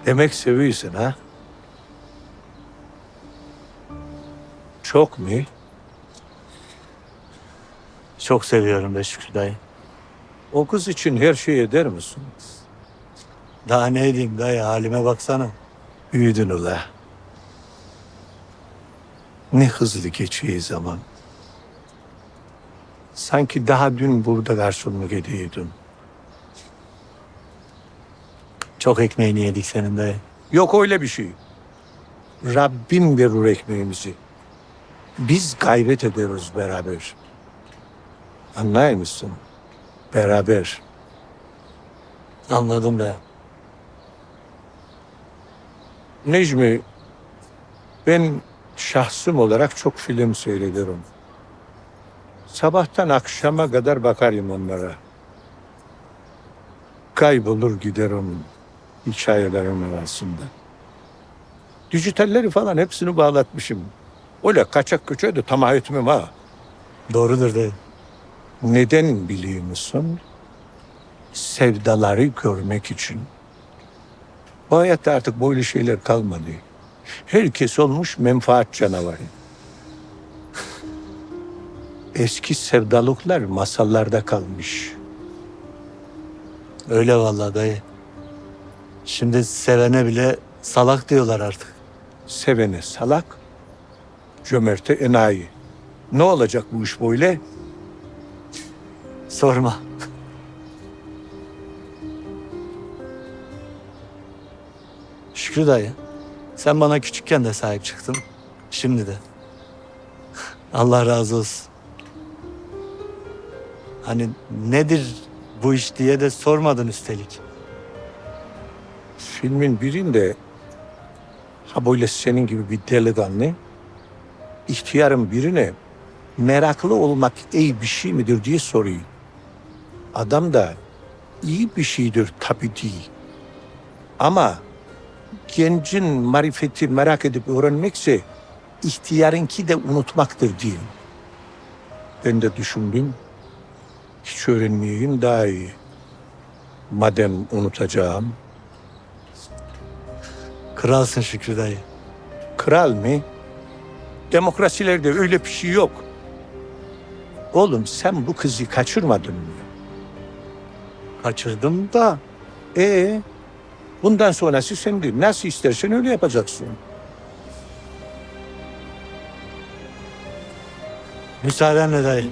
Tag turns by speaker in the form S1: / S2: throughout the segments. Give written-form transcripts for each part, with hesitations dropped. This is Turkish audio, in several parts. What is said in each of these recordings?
S1: Demek seviyorsun ha? Çok mu?
S2: Çok seviyorum be Şükrü dayı.
S1: O kız için her şey eder misin?
S2: Daha ne edeyim dayı, halime baksana.
S1: Büyüdün ula. Ne hızlı geçiyor zaman. Sanki daha dün burada karşımda geliyordun.
S2: Çok ekmeğini yedik senin dayı.
S1: Yok öyle bir şey. Rabbim verir ekmeğimizi. Biz gayret ederiz beraber. Anlıyor musun? Beraber.
S2: Anladım be.
S1: Necmi, ben şahsım olarak çok film seyrederim. Sabahtan akşama kadar bakarım onlara. Kaybolur giderim hikayelerin arasında. Dijitalleri falan hepsini bağlatmışım. Öyle kaçak köçe de tamah etmem ha.
S2: Doğrudur dayı.
S1: Neden biliyor musun? Sevdaları görmek için. Bu hayatta artık böyle şeyler kalmadı. Herkes olmuş menfaat canavarı. Eski sevdalıklar masallarda kalmış.
S2: Öyle vallahi dayı. Şimdi sevene bile salak diyorlar artık.
S1: Sevene salak, cömerte enayi. Ne olacak bu iş böyle?
S2: Sorma. Şükrü dayı, sen bana küçükken de sahip çıktın. Şimdi de. Allah razı olsun. Hani nedir bu iş diye de sormadın üstelik.
S1: Filmin birinde ha böyle senin gibi bir delikanlı ihtiyarın birine meraklı olmak iyi bir şey midir diye soruyor. Adam da iyi bir şeydir tabii değil. Ama gencin marifeti merak edip öğrenmekse ihtiyarınki de unutmaktır diyor. Ben de düşündüm, hiç öğrenmeyeyim daha iyi. Madem unutacağım,
S2: Kralsın Şükrü dayı.
S1: kral mı? Demokrasilerde öyle bir şey yok. Oğlum sen bu kızı kaçırmadın mı?
S2: Kaçırdım da
S1: Bundan sonrası senin. Nasıl istersen öyle yapacaksın.
S2: müsaadenle dayı.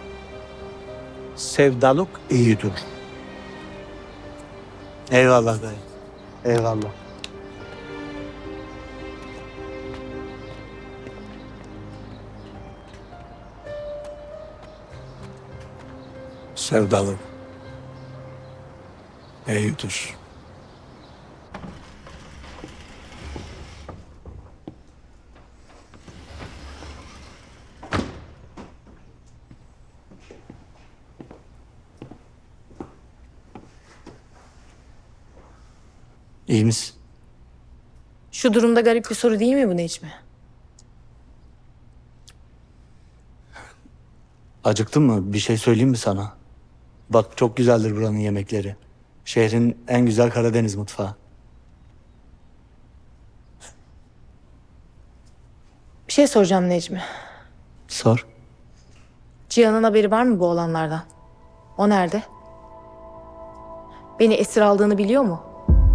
S1: Sevdalık iyidir.
S2: Eyvallah dayı. Eyvallah.
S1: Sevdalık iyidir.
S2: İyi misin?
S3: Şu durumda garip bir soru değil mi bu Necmi?
S2: Acıktın mı? Bir şey söyleyeyim mi sana? Bak çok güzeldir buranın yemekleri. Şehrin en güzel Karadeniz mutfağı.
S3: Bir şey soracağım Necmi.
S2: Sor.
S3: Cihan'ın haberi var mı bu olanlardan? O nerede? Beni esir aldığını biliyor mu?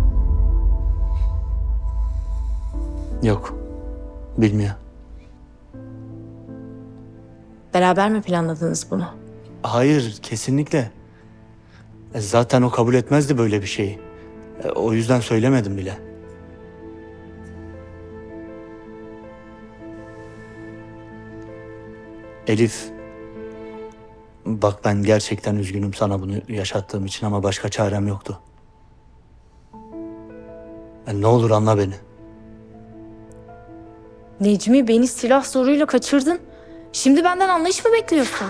S2: Yok. Bilmiyor.
S3: Beraber mi planladınız bunu?
S2: Hayır, kesinlikle. Zaten o kabul etmezdi böyle bir şeyi. O yüzden söylemedim bile. Elif, bak ben gerçekten üzgünüm sana bunu yaşattığım için ama başka çarem yoktu. Ne olur anla beni.
S3: Necmi beni silah zoruyla kaçırdın. Şimdi benden anlayış mı bekliyorsun?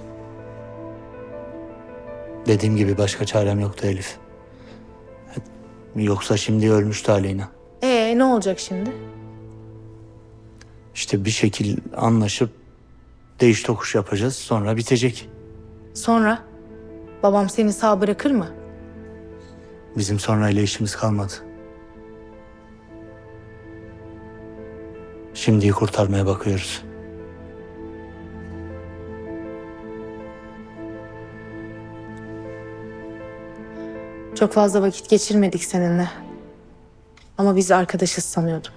S2: Dediğim gibi başka çarem yoktu Elif. Yoksa şimdi ölmüştü Aleyna.
S3: Ne olacak şimdi?
S2: İşte bir şekil anlaşıp değiş tokuş yapacağız sonra bitecek.
S3: Sonra? Babam seni sağ bırakır mı?
S2: Bizim sonrayla işimiz kalmadı. Şimdiyi kurtarmaya bakıyoruz.
S3: Çok fazla vakit geçirmedik seninle. Ama biz arkadaşız sanıyordum.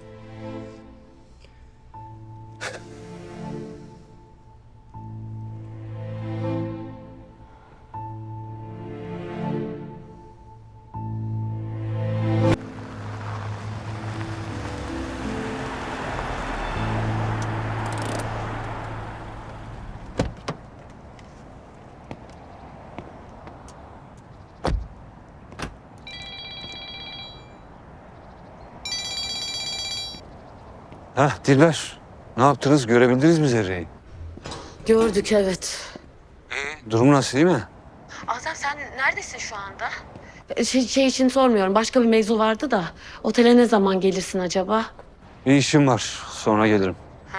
S4: Heh Dilber, ne yaptınız? Görebildiniz mi Zerre'yi?
S5: Gördük evet.
S4: Durumu nasıl, iyi mi?
S5: Azem sen neredesin şu anda? Şey için sormuyorum. Başka bir mevzu vardı da. Otele ne zaman gelirsin acaba?
S4: Bir işim var, sonra gelirim.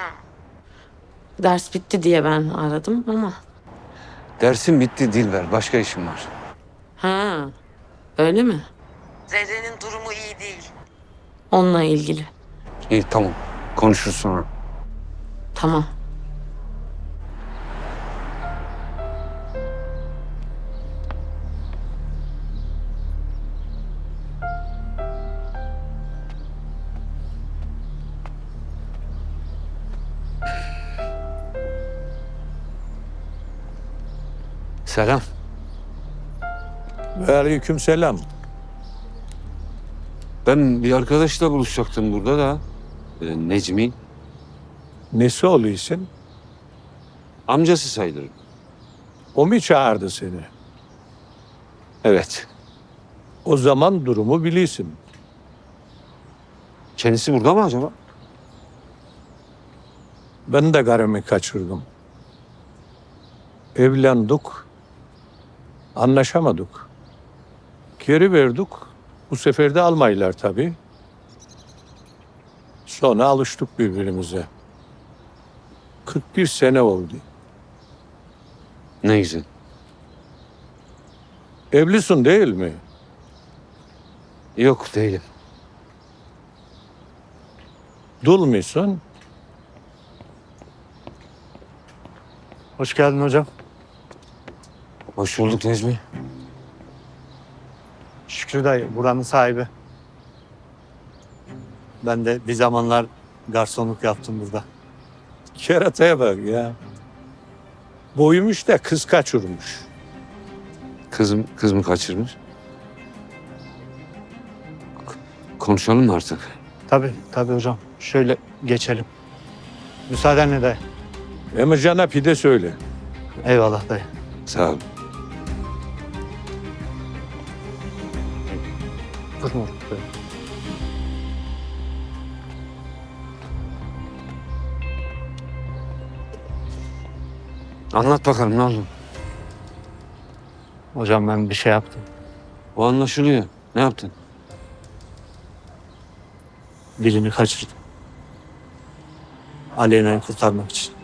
S5: Ders bitti diye ben aradım ama.
S4: Dersim bitti Dilber, başka işim var.
S5: Ha, öyle mi?
S6: Zerre'nin durumu iyi değil.
S5: Onunla ilgili.
S4: İyi, tamam. Konuşuruz sonra.
S5: Tamam.
S4: Selam.
S1: Ve aleykümselam.
S4: Ben bir arkadaşla buluşacaktım burada da. Necmi.
S1: Nesi oluyorsun?
S4: Amcası sayılır.
S1: O mu çağırdı seni?
S4: Evet.
S1: O zaman durumu biliyorsun.
S4: Kendisi burada mı acaba?
S1: Ben de karımı kaçırdım. Evlendik. Anlaşamadık. Geri verdik. Bu sefer de almaylar tabii. Sonra alıştık birbirimize. 41 sene oldu.
S4: Ne güzel.
S1: Evlisin değil mi?
S4: Yok değilim.
S1: Dul musun?
S2: Hoş geldin hocam.
S4: Hoş bulduk Necmi.
S2: Şükrü dayı buranın sahibi. Ben de bir zamanlar garsonluk yaptım burada.
S1: Kerataya bak ya. Boyumuş da kız kaçırmış.
S4: Kız mı kaçırmış? Konuşalım mı artık?
S2: Tabii hocam. Şöyle geçelim. Müsaadenle dayı.
S1: Emircan'a pide söyle.
S2: Eyvallah dayı.
S4: Sağ ol.
S2: Durma.
S4: Anlat bakalım ne oldu?
S2: Hocam ben bir şey yaptım.
S4: O anlaşılıyor. Ne yaptın?
S2: Birini kaçırdım. Aleyna'yı kurtarmak için.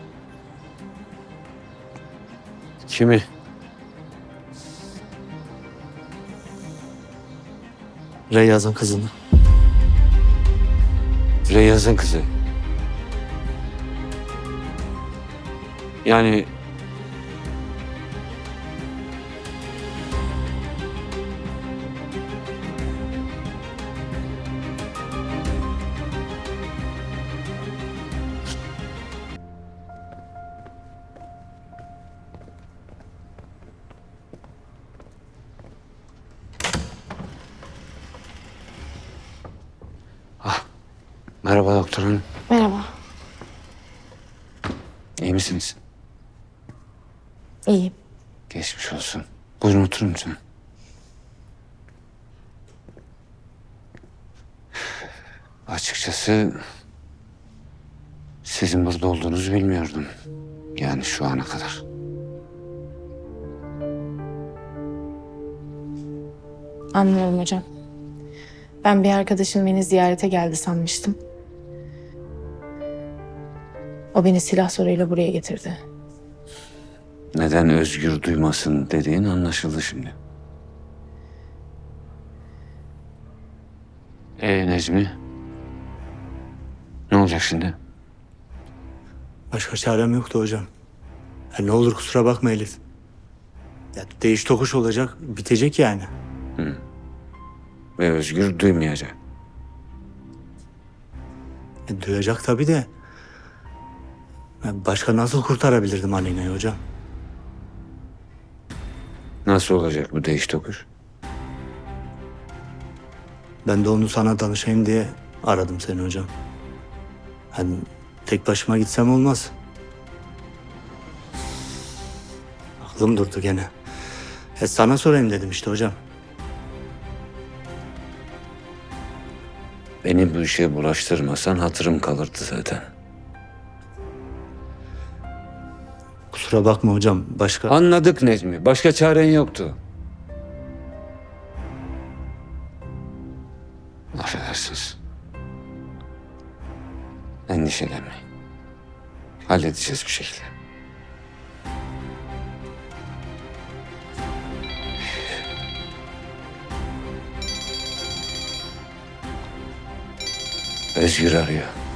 S4: Kimi?
S2: Reyyaz'ın kızını.
S4: Reyyaz'ın kızı. Yani merhaba doktor hanım.
S3: Merhaba.
S4: İyi misiniz?
S3: İyiyim.
S4: Geçmiş olsun. Buyurun oturun lütfen. Açıkçası sizin burada olduğunuzu bilmiyordum. Yani şu ana kadar.
S3: Anlıyorum hocam. Ben bir arkadaşım beni ziyarete geldi sanmıştım. O beni silah soruyla buraya getirdi.
S4: Neden özgür duymasın dediğin anlaşıldı şimdi. Necmi? Ne olacak şimdi?
S2: Başka çarem yoktu hocam. Ne olur kusura bakma Elif. Ya değiş tokuş olacak, bitecek yani.
S4: Ve Özgür duymayacak.
S2: Duyacak tabii de. Başka nasıl kurtarabilirdim Aleyna'yı hocam?
S4: Nasıl olacak bu değiş tokuş?
S2: Ben de onu sana danışayım diye aradım seni hocam. Hani tek başıma gitsem olmaz. Aklım durdu gene. Sana sorayım dedim işte hocam.
S4: Beni bu işe bulaştırmasan hatırım kalırdı zaten.
S2: Kusura bakma hocam. Başka...
S4: Anladık Necmi. Başka çaren yoktu. Affedersiniz. Endişelenmeyin. Halledeceğiz bir şekilde. Özgür arıyor.